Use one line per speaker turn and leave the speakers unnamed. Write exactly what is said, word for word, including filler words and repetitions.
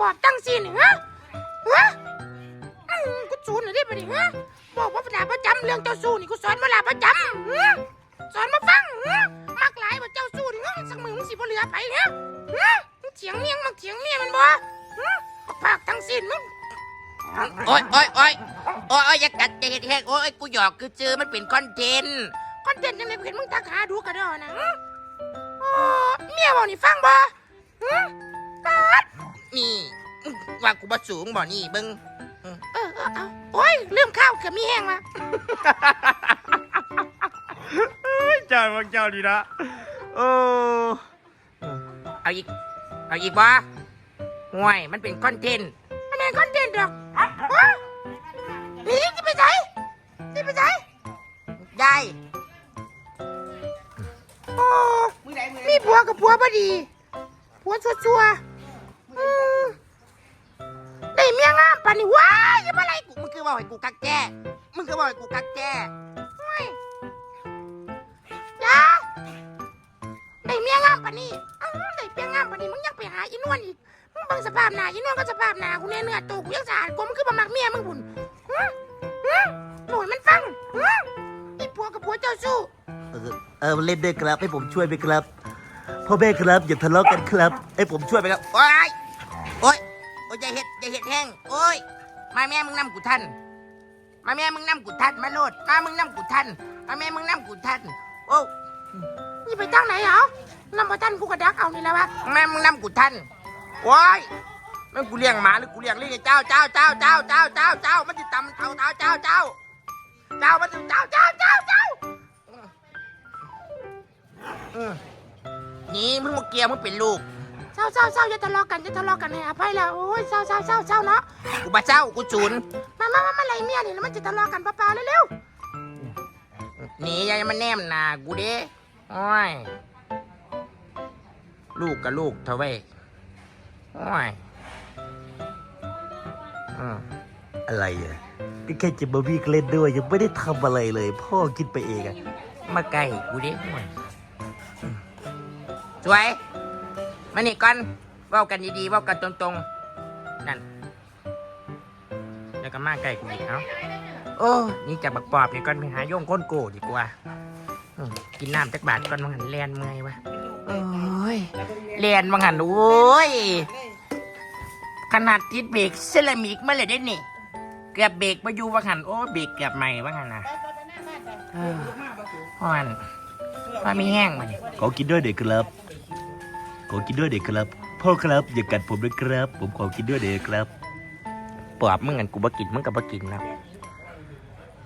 อบตั้งซีนฮะฮะกูจูนหน่อยได้ปะนี่ฮะบอกว่าลาประจำเรื่องเจ้าสู้นี่กูสอนมาลาประจำสอนมาฟังมักหลายว่าเจ้าสู้นี่สักมือมึงสิบ่เหลือไปฮะมึงเถียงเมียงมึงเถียงเมียมันบ่ปากตั้งซีนมึง
โอ้ยโอ้ยโอ้ยโอ้ยอย่ากัดจะเห็ดแหกโอ้ยกูหยอกคือเจอมันเป็นคอนเทนต์
คอนเทนต์ยังไงกูเห็นมึงทักหาดูกระดอนะเมียบอกนี่ฟังบ่ตัด
นี่ว่ากูบ่สูงบ่นี่เบิ้ง
เออเออเอาโอ้ยลืมข้าวเกือบมีแห้งละ
เจ้าบางเจ้าดีนะโอ้
เอาอีกเอาอีกบ่ห่วยมันเป็นคอนเทนต์
มันเป็นคอนเทนต์ดอกนี่จะไปไหนจะไปไหน
ได้
โอ้มีผัวกับผัวพอดีผัวชัวๆได้เมียงามปานนี่ว้ายยังอะไร
กูมึงคือบอกให้กูกักแจ้มึงคือบอกให้กูกักแจ้
จ้าได้เมียงามปานนี่ได้เมียงามปานนี่มึงยังไปหาอีนวลอีกมึงบังสภาพหน้าอีนวลก็สภาพหน้ากูเนี่ยเนื้อตัวกูยังสะอาดกูมึงคือบ่มักเมียมึงบุญหน่วยมันฟังไอ้ผัวกับผัวเจ้าสู้
เออเออเล่นด้วยครับให้ผมช่วยไหมครับพ่อแม่ครับอย่าทะเลาะกันครับให้ผมช่วยไหมครับ
โอ้ยโอ้ยโอ้ยอย่าเห็ดอย่าเห็ดแห้งโอ้ยมาแม่มึงนำกูทันมาแม่มึงนำกูทันมาโลดมามึงนำกูทันมาแม่มึงนำกูทันโอ้
นี่ไปตั้งไหนเหรอนำมาทันกูกระดักเอานี่แล้ววะ
แม่มึงนำกูทันโอ้ยแม่กูเลี้ยงหมาหรือกูเลี้ยงลิงเจ้าเจ้าเจ้าเจ้าเจ้าเจ้าเจ้ามันจะตำเท้าเท้าเจ้าเจ้าเจ้ามันจะเจ้าเจ้าเจ้าเจ้านี่มึงมาเกียร์มึงเป็นลูก
เศร้าเศร้าเศร้าอย่าทะเลาะกันอย่าทะเลาะกันให้อภัยแล้วโอ้ยเศร้าเศร้าเศร้าเศร้าเนาะ
กูบ้าเศร้ากูจูน
มามามามาไรเมียนี่แล้วมันจะทะเลาะกันเปล่าๆเร็ว
ๆหนียายมันแนมหนากูเด้โอ้ยลูกกับลูกเท่าไว้โอ้ย
อะไรอ่ะก็แค่จะมาวิ่งเล่นด้วยยังไม่ได้ทำอะไรเลยพ่อคิดไปเองอะ
มาไกลกูเด้โอ้ยสวยมานี่ก่อนเว้ากันดีๆเว้ากันตรงๆนั่นแล้วก็มาใกล้กูอีกเอ้าโอ้นี่จะบักปอบนี่ก่อนไปหาโยงก้นโกดีกว่ากินน้ำจักบาทก่อนมังหันแลนเมื่อยวะโอ้ยแลนมังหันโอ้ยขนาดติดเบรกเซรามิกมาเลยได้นี่เกือบเบรกมาอยู่มังหันโอ้เบรกเกือบใหม่มังหันนะอ่อนว่ามีแห้งมาเนี่ย
ขอกินด้วยเด็กครับขอกินด้วยเด็กครับพ่อครับอย่ากัดผมด้วยครับผมขอกินด้วยเด็กครับ
ปอบมึงกันกูบ่กินมึงกับบ่กินแล้ว